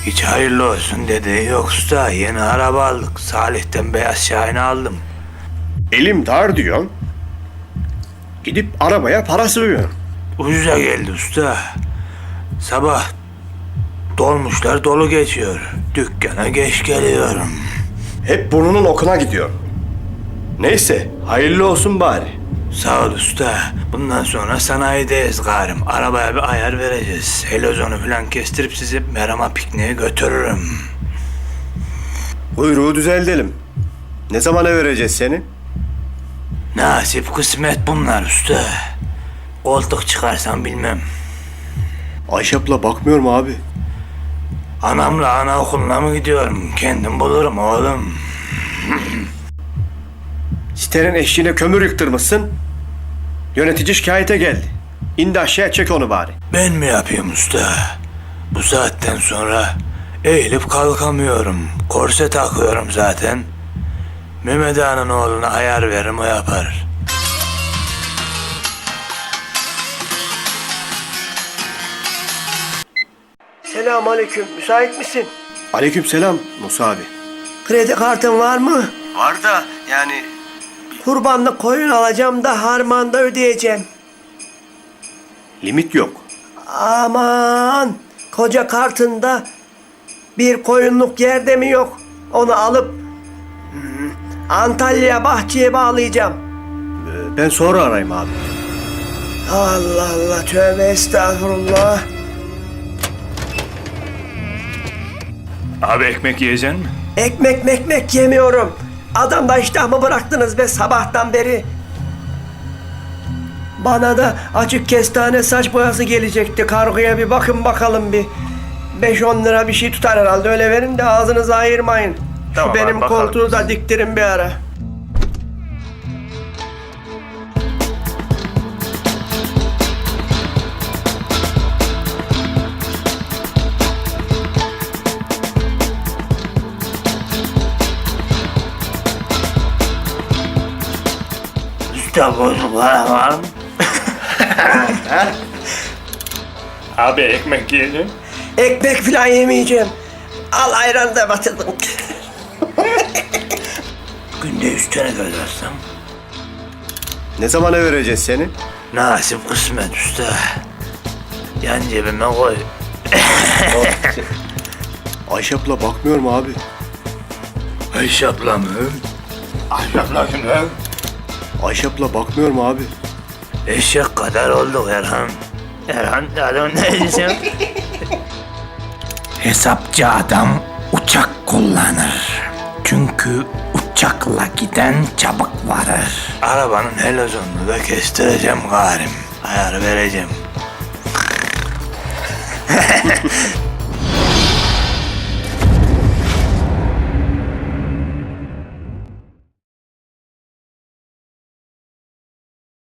Hiç hayırlı olsun dedi. Yoksa yeni araba aldık. Salih'ten beyaz Şahin'i aldım. Elim dar diyorsun. Gidip arabaya para sığıyorsun. Ucuza geldi usta. Sabah dolmuşlar dolu geçiyor. Dükkana geç geliyorum. Hep burnunun okuna gidiyor. Neyse, hayırlı olsun bari. Sağ ol usta. Bundan sonra sanayideyiz garim. Arabaya bir ayar vereceğiz. Helozonu falan kestirip sizi Meram'a pikniğe götürürüm. Kuyruğu düzeltelim. Ne zamana vereceğiz seni? Nasip kısmet bunlar usta. Koltuk çıkarsam bilmem. Ayşe abla bakmıyor mu abi? Anamla anaokuluna mı gidiyorum? Kendim bulurum oğlum. Sitenin eşiğine kömür yıktırmışsın. Yönetici şikayete geldi. İndi aşağıya çek onu bari. Ben mi yapayım usta? Bu saatten sonra eğilip kalkamıyorum. Korse takıyorum zaten. Mehmet Ağa'nın oğluna ayar veririm, o yapar. Selamünaleyküm. Müsait misin? Aleykümselam Musa abi. Kredi kartın var mı? Var da yani... Kurbanlık koyun alacağım da harmanda ödeyeceğim. Limit yok. Aman! Koca kartında bir koyunluk yerde mi yok? Onu alıp Antalya Bahçe'ye bağlayacağım. Ben sonra arayayım abi. Allah Allah, tövbe estağfurullah. Abi ekmek yiyeceksin mi? Ekmek yemiyorum. Adamda iştahımı bıraktınız be sabahtan beri. Bana da açık kestane saç boyası gelecekti. Kargoya bir bakın bakalım bir. 5-10 lira bir şey tutar herhalde, öyle verin de ağzınızı ayırmayın. Tamam Şu benim abi, bakalım. koltuğu da diktirin bir ara. Usta bozuklar var mı? Abi ekmek yiyeceksin. Ekmek falan yemeyeceğim. Al ayranı da batırdım. Günde 3 tane kazanırsam. Ne zamana vereceğiz seni? Nasip kısmet usta. Yan cebime koy. Ayşe abla bakmıyor mu abi? Ayşe abla mı? Ayşe abla kim lan? Ayşe abla bakmıyor mu abi? Eşek kadar olduk Erhan. Erhan adam ne diyeceğim? Hesapçı adam uçak kullanır. Çünkü uçakla giden çabuk varır. Arabanın helozonunu da kestireceğim garim. Ayar vereceğim.